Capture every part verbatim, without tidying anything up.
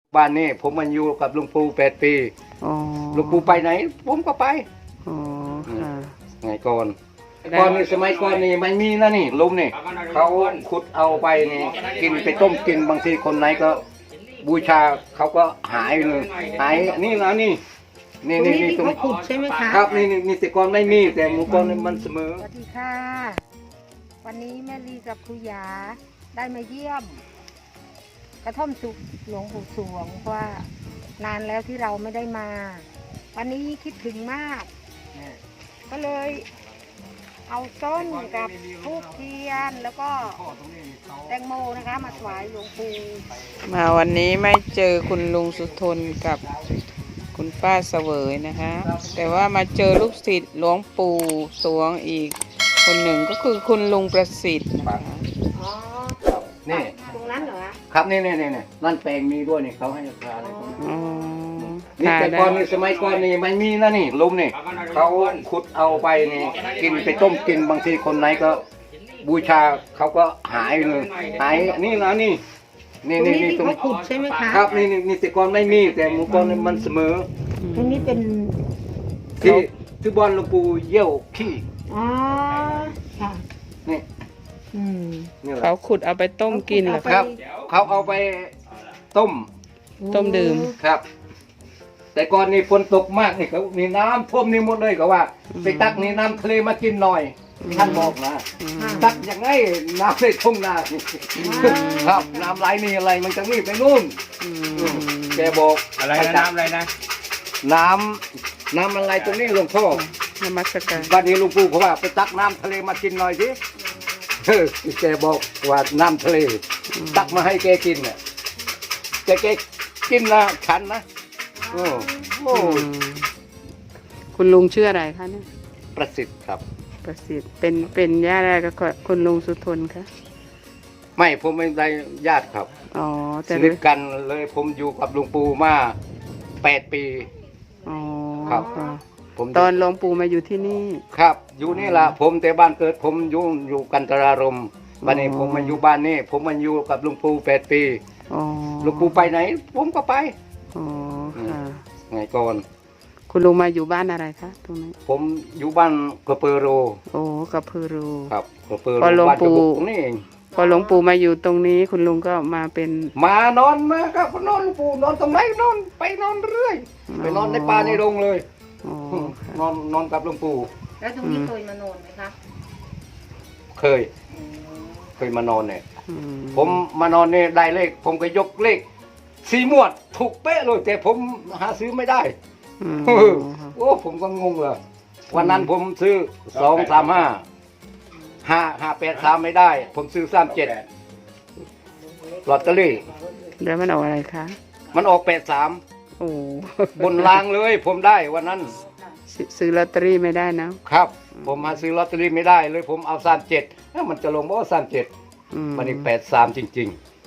บ้านนี้ผมมันอยู่กับลุงปู่แปดปีลุงปู่ไปไหนผมก็ไปอ๋อค่ะไงก่อนก่อนนี่สมัยก่อนนี่ไม่มีนะนี่ลุมนี่เขาขุดเอาไปนี่กินไปต้มกินบางทีคนไหนก็บูชาเขาก็หายเลยหายนี่นะนี่นี่นี่นี่ตรงขุดใช่ไหมคะครับนี่นี่แต่ก่อนไม่มีแต่หมู่ก่อนมันเสมอสวัสดีค่ะวันนี้แม่ลีกับครูยาได้มาเยี่ยมกระท่อมสุขหลวงปู่สวงเพราะว่านานแล้วที่เราไม่ได้มาวันนี้คิดถึงมากก็เลยเอาต้นกับทูบเทียนแล้วก็แตงโมนะคะมาถวายหลวงปู่มาวันนี้ไม่เจอคุณลุงสุทนกับคุณป้าเสวยนะคะแต่ว่ามาเจอลูกศิษย์หลวงปู่สวงอีกคนหนึ่งก็คือคุณลุงประสิทธิ์นะคะอ๋อนี่ตรงนั้นเหรอครับนี่นี่นี่นั่นแปลงมีด้วยนี่เขาให้ราคาอะไรพวกนี้อ๋อนี่แต่ก่อนนี่สมัยก่อนนี่ไม่มีนะนี่ลุมนี่เขาขุดเอาไปนี่กินไปต้มกินบางทีคนไหนก็บูชาเขาก็หายเลยหายนี่นะนี่นี่นี่นี่ตรงขุดใช่ไหมคะครับนี่นี่แต่ก่อนไม่มีแต่หมู่ก่อนมันเสมอตรงนี้เป็นที่ที่บ้านหลวงปู่เยี่ยวขี้อ๋อค่ะนี่อืมเขาขุดเอาไปต้มกินเหรอครับเขาเอาไปต้มต้มดื่มครับแต่ก่อนนี่ฝนตกมากนี่เขามีน้ำท่วมนี่หมดเลยก็ว่าไปตักนี่น้ำทะเลมากินหน่อยท่านบอกนะตักอย่างไงน้ำในทุ่งนาครับน้ำไหลนี่อะไรมันจะนี่ไปนู่นแกบอกอะไรนะน้ำอะไรนะน้ำน้ำอะไรตรงนี้หลวงพ่อน้ำมัสการบ้านนี้หลวงปู่เขาว่าไปตักน้ำทะเลมากินหน่อยสิแกบอกว่าน้ำทะเลตักมาให้แกกินเนี่ยแกแกกินนะฉันนะโอ้โหคุณลุงชื่ออะไรคะเนี่ยประสิทธิ์ครับประสิทธิ์เป็นเป็นญาติอะไรกับคุณลุงสุทนคะไม่ผมไม่ได้ญาติครับอ๋อสนิทกันเลยผมอยู่กับหลวงปู่มาแปดปีอ๋อครับผมตอนหลวงปู่มาอยู่ที่นี่ครับอยู่นี่ล่ะผมแต่บ้านเกิดผมอยู่อยู่กันตรารมบ้านนี้ผมมาอยู่บ้านนี้ผมมาอยู่กับหลวงปู่แปดปีหลวงปู่ไปไหนผมก็ไปอ๋อค่ะไงก่อนคุณลุงมาอยู่บ้านอะไรคะตรงนี้ผมอยู่บ้านกระเปโรโอ้กระเปโรครับกระเปโรบ้านกระบุกนี่เองพอหลวงปู่มาอยู่ตรงนี้คุณลุงก็มาเป็นมานอนมาครับนอนหลวงปู่นอนตรงไหนนอนไปนอนเรื่อยไปนอนในป่าในโรงเลยนอนนอนกับหลวงปู่แล้วตรงนี้เคยมานอนไหมคะเคยเคยมานอนเนี่ยผมมานอนเนี่ยได้เลขผมก็ยกเลขสี่หมวดถูกเป๊ะเลยแต่ผมหาซื้อไม่ได้โอ้ผมก็งงเลยวันนั้นผมซื้อสองสามห้าห้าห้าแปดสามไม่ได้ผมซื้อสามเจ็ดลอตเตอรี่แล้วมันออกอะไรคะมันออกแปดสามโอ้บนรางเลยผมได้วันนั้นซื้อลอตเตอรี่ไม่ได้นะครับผมหาซื้อลอตเตอรี่ไม่ได้เลยผมเอาสามเจ็ดแล้วมันจะลงบ่สามเจ็ดมันอีกแปดสามจริง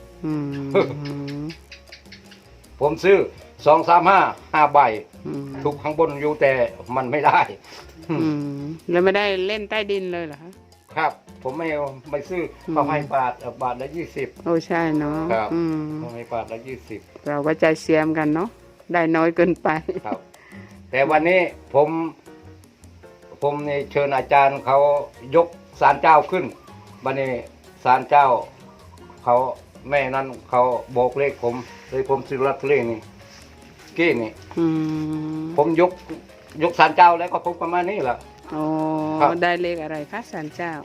ๆผมซื้อสองสามห้าห้าใบถูกข้างบนอยู่แต่มันไม่ได้แล้วไม่ได้เล่นใต้ดินเลยเหรอคะครับผมไม่ไม่ซื้อเขาให้บาทบาทละยี่สิบโอ้ใช่เนาะครับเขาให้บาทละยี่สิบเราก็ใจเสียมกันเนาะได้น้อยเกินไปครับแต่วันนี้ผมผมนี่เชิญอาจารย์เขายกศาลเจ้าขึ้นวันนี้ศาลเจ้าเขาแม่นั้นเขาบอกเลขผมเลยผมซื้อลอตเตอรี่นี่กี้นี่ผมยกยกศาลเจ้าแล้วก็ผมประมาณนี้แหละอ๋อได้เลขอะไรคะศาลเจ้า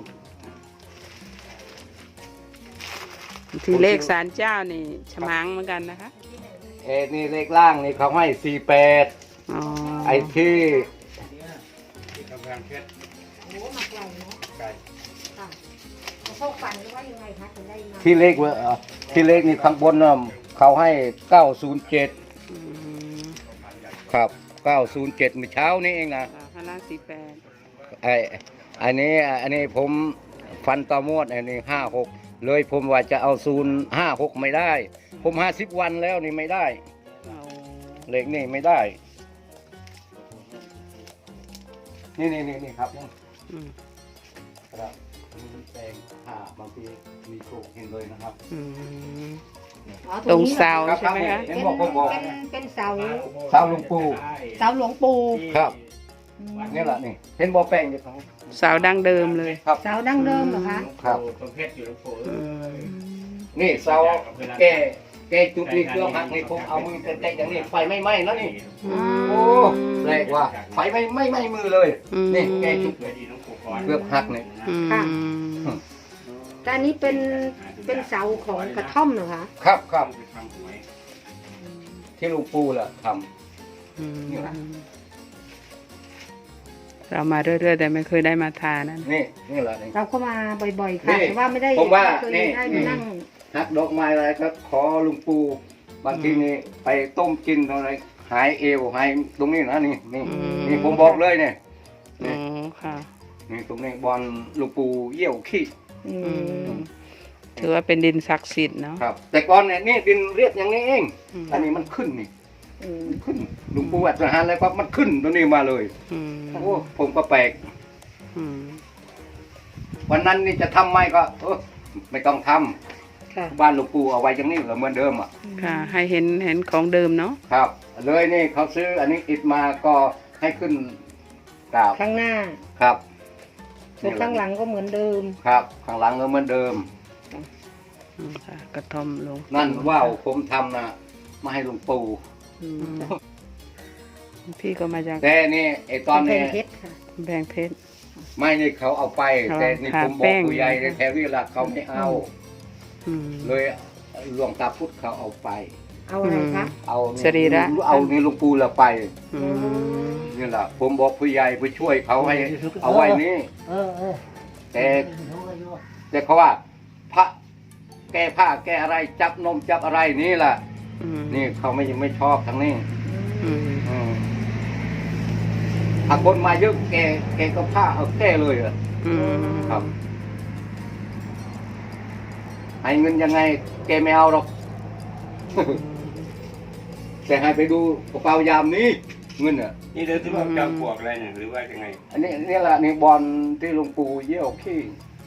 ที่เลขศาลเจ้านี่ฉมังเหมือนกันนะคะเอ้นี่เลขล่างนี่เขาให้สี่แปดไอ้ที่ที่เลขว่าที่เลขนี่ข้างบนน่ะเขาให้เก้าศูนย์เจ็ดครับเก้าศูนย์เจ็ดเมื่อเช้านี้เองนะข้างล่างสี่แปดไอ้อันนี้อันนี้ผมฟันต่อมวดอันนี้ห้าหกเลยผมว่าจะเอาศูนย์ห้าหกไม่ได้ผมห้าสิบวันแล้วนี่ไม่ได้เลขนี่ไม่ได้นี่นี่นี่นี่ครับนี่ครับแปลงหาบางทีมีโชคเห็นเลยนะครับอ๋อตรงนี้หอเสาครับใช่ไหมคะเห็เป็น นบอกผมบอกเป็นเป็นเสาเสาหลวงปู่เสาหลวงปู่ครับอืมนี่แหละนี่เห็นบ่อแป้งอยู่ตรงนี้เสาดั้งเดิมเลยครับเสาดั้งเดิมเหรอคะครับประเภทอยู่หลวงปู่อืมนี่เสาแกแกจุดนี้เครื่องหักนี่ผมเอามือเตะๆอย่างนี้ไฟไม่ไหม้แล้วนี่อืมโอ้แปลกว่าไฟไม่ไม่ไหม้มือเลยอืมนี่แกจุดเคยดีหลวงปู่ก่อนเกือบหักเนี่ยอืมค่ะ แต่อันนี้เป็นเป็นเสาของกระท่อมเหรอคะครับครับไปทำหวยที่หลวงปู่แหละทอืมนี่แหละเรามาเรื่อยๆแต่ไม่เคยได้มาทานนะำนี่นี่แหละนี่เราก็มาบ่อยๆนี่ค่ะแต่ว่าไม่ได้ผมว่าเคยนี่ได้มานั่งหักดอกไม้อะไรก็ขอหลวงปู่บางทีนี่ไปต้มกินอะไรหายเอวหายตรงนี้นะนี่นี่นี่ผมบอกเลยเนี่ยอ๋อค่ะนี่ตรงนี้บอลหลวงปู่เยี่ยวขี้อือืมมถือว่าเป็นดินศักดิ์สิทธิ์เนาะครับ แต่ก่อนเนี่ยนี่ดินเรียบอย่างนี้เองอืมอันนี้มันขึ้นนี่อืมขึ้นหลวงปู่อัดสหารแล้วปั๊บมันขึ้นตัวนี้มาเลยอืมโอ้ผมก็แปลกอืมวันนั้นนี่จะทำไหมก็เออไม่ต้องทำค่ะบ้านหลวงปู่เอาไว้อย่างนี้เหมือนเดิมอ่ะค่ะ ให้เห็นเห็นของเดิมเนาะครับ เลยนี่เขาซื้ออันนี้อิฐมาก็ให้ขึ้นกราบข้างหน้าครับส่วนข้างหลังก็เหมือนเดิมครับ ข้างหลังก็เหมือนเดิมอืมค่ะ กระท่อมหลวงนั่นว่าวผมทำนะมาให้หลวงปู่อืมอืมพี่ก็มาจากแต่นี่ไอตอนกำแพนี้งเพชรค่ะแบงเพชรไม่นี่เขาเอาไปเขาแต่นี่ผมบทาอกแป้งผู้ใหญ่ในแถวนี้ละเขาไม่เอาอืมเลยหลวงตาพุทธเขาเอาไปเอาอะไรคะเอานี่สรีระเอานี่หลวงปู่ละไปอืมนี่แหละผมบอกผู้ใหญ่ไปช่วยเขาให้เอาไว้นี่เออเออแต่แต่เขาว่า พระแก้ผ้าแก้อะไรจับนมจับอะไรนี่แหละอืมนี่เขาไม่ไม่ชอบทางนี้อืมอืมถ้าคนมาเยอะแกแกก็ผ้าเอาแก้เลยอะอืมครับ ให้เงินยังไง แกไม่เอาหรอก แต่ให้ไปดูกระเป๋ายามนี้เงินอ่ะนี่เดินที่ว่าจอมปลวกอะไรเนี่ยหรือว่ายังไงอันนี้นี่แหละนี่บอลที่หลวงปู่เยี่ยวขี้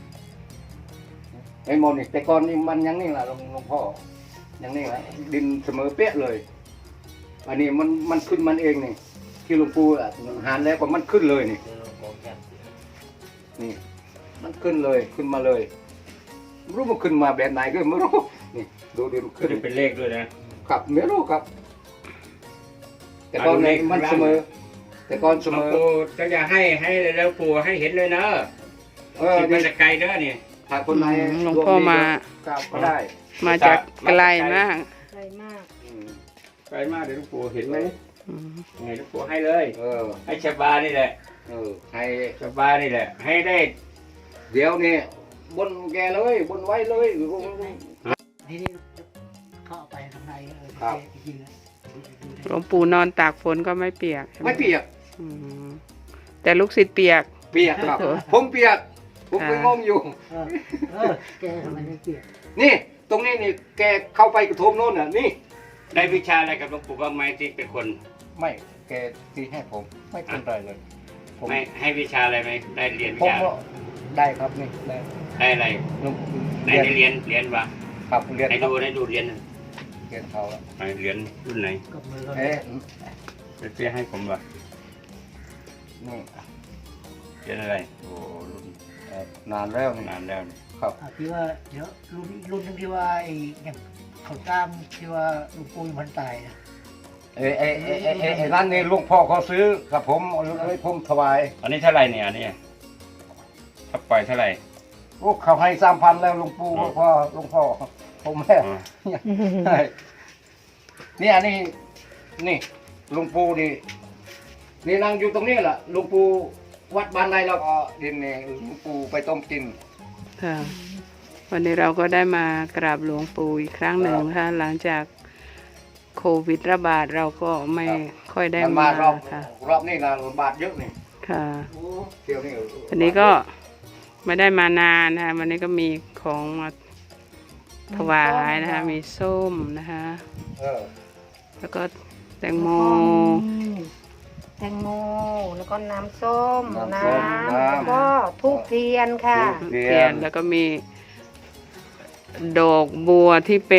ไอ้หมดนี่แต่ก่อนนี่มันยังนี่แหละหลวงหลวงพ่อยังนี่แหละดินเสมอเป๊ะเลย อันนี้มันมันขึ้นมันเองนี่ที่หลวงปู่อ่ะหารแล้วก็มันขึ้นเลยนี่นี่ มันขึ้นเลยขึ้นมาเลยไม่รู้มันขึ้นมาแบบไหนก็ไม่รู้นี่ดูดิมันขึ้ขึ้นนเป็นเลขด้วยนะครับไม่รู้ครับ แต่ก่อนนี่มันเสมอ แต่ก่อนเสหลวมงอปู่จะอย่าให้ให้แล้วปู่ให้เห็นเลยเนอะเออที่มันนี่จะไกลเด้อนี่ถ้าคนไหนหลวงพ่อมากราบก็ได้มาจากไกลมากใช่มากอืมไกลมากเดี๋ยวหลวงปู่เห็นไหมอืมยังไงหลวงปู่ให้เลยเออให้ชาวบ้านนี่แหละเออให้ชาวบ้านนี่แหละ ให้ได้เดี๋ยวนี่บนแกเลยบนไว้เลยทีนี้เข้าไปข้างในเออครับจริงๆนะหลวงปู่นอนตากฝนก็ไม่เปียกใช่หไม่เปียกอืมแต่ลูกศิษย์เปียกเปียกครับเออผมเปียก ผมไปอ่างงอยู่เออเออแกทำไมไม่เปลี่ยนนี่ ตรงนี้นี่แกเข้าไปกระโทมโน่นน่ะนี่ได้วิชาอะไรกับหลวงปู่บ้างไหมที่เป็นคนไม่แกที่ให้ผมไม่เป็นไรเลยผมไม่ให้วิชาอะไรไหมได้เรียนวิผมชาก็ได้ครับนี่ได้ได้อะไรลุงไหนได้เรียนเรียนวะครับเรียนไหนครัดูบไหนดูเรียนเรียนเขาแล้วไหนเรียนรุ่นไหนกับมือเราเอ๊ะเดี๋ยวเตี้ยให้ผมวะนี่เรียนอะไรโอ้รุ่นเอ่อนานแล้วนี่นานแล้วนี่ครับอ่ะที่ว่าเดี๋ยวรุ่นรุ่นหนึงที่ว่าไอ้อย่างเขาตามที่ว่าหลุงปู่มันตายนะเอ้ไอ้ไอ้ไอ้ไอ้ไอ้นั่นนี่ลุงพ่อเขาซื้อกับผมเลยผมถวายอันนี้เท่าไหร่เนี่ยอันนี้ถ้าปล่อยเท่าไหร่ลูกเขาให้สามพันแล้วลุงปู่อ๋อพ่อลุงพ่อผมแม่อ๋อใช่นี่อันนี้นี่ลุงปู่นี่นี่นั่งอยู่ตรงนี้แหละลุงปู่วัดบ้านใดเราก็ดินนี่ลุงปู่ไปต้มกินค่ะ วันนี้เราก็ได้มากราบหลวงปู่อีกครั้งหนึ่งค่ะหลังจากโควิดระบาดเราก็ไม่ครับค่อยได้มันมามารอบค่ะรอบนี้นะบาทเยอะนี่ค่ะเที่ยวนี่วันนี้ก็ไม่ได้มานานนะคะวันนี้ก็มีของมาถวายนะคะ มีส้มนะคะเออแล้วก็แตงโมแตงโมแล้วก็น้ำส้มน้ำน้ส้มำน้แล้วก็ทูบเทียนค่ะทูบ เทียนเทียนแล้วก็มีดอกบัวที่เป็น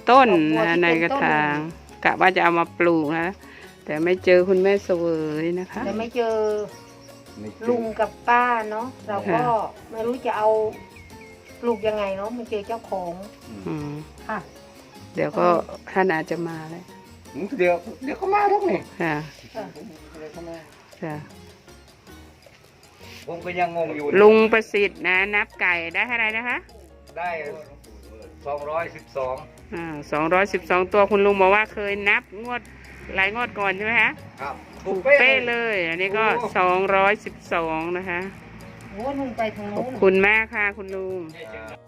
ต้นดอกบัวนะที่ในเป็นกระต้นถางกะว่าจะเอามาปลูกนะ แต่ไม่เจอคุณแม่เสวยนะคะแต่ไม่เจอไม่เจอลุงกับป้าเนาะเราก็ค่ะไม่รู้จะเอาปลูกยังไงเนาะไม่เจอเจ้าของอืมค่ะเดี๋ยวก็ท่านอาจจะมาเลยเดี๋ยวเดี๋ยวเขามาทุกนี่ค่ะค่ะเดี๋ยวเขามาค่ะผมก็ยังงงอยู่ลุงประสิทธิ์นะนับไก่ได้เท่าไหร่นะคะได้สองร้อยสิบสองอ่าสองร้อยสิบสองตัวคุณลุงบอกว่าเคยนับงวดหลายงวดก่อนใช่ไหมคะครับถูกเป๊ะเลย อันนี้ก็สองร้อยสิบสองนะคะโอ้ลุงไปทางขนู้อบนคุณมากค่ะคุณลุงอ่า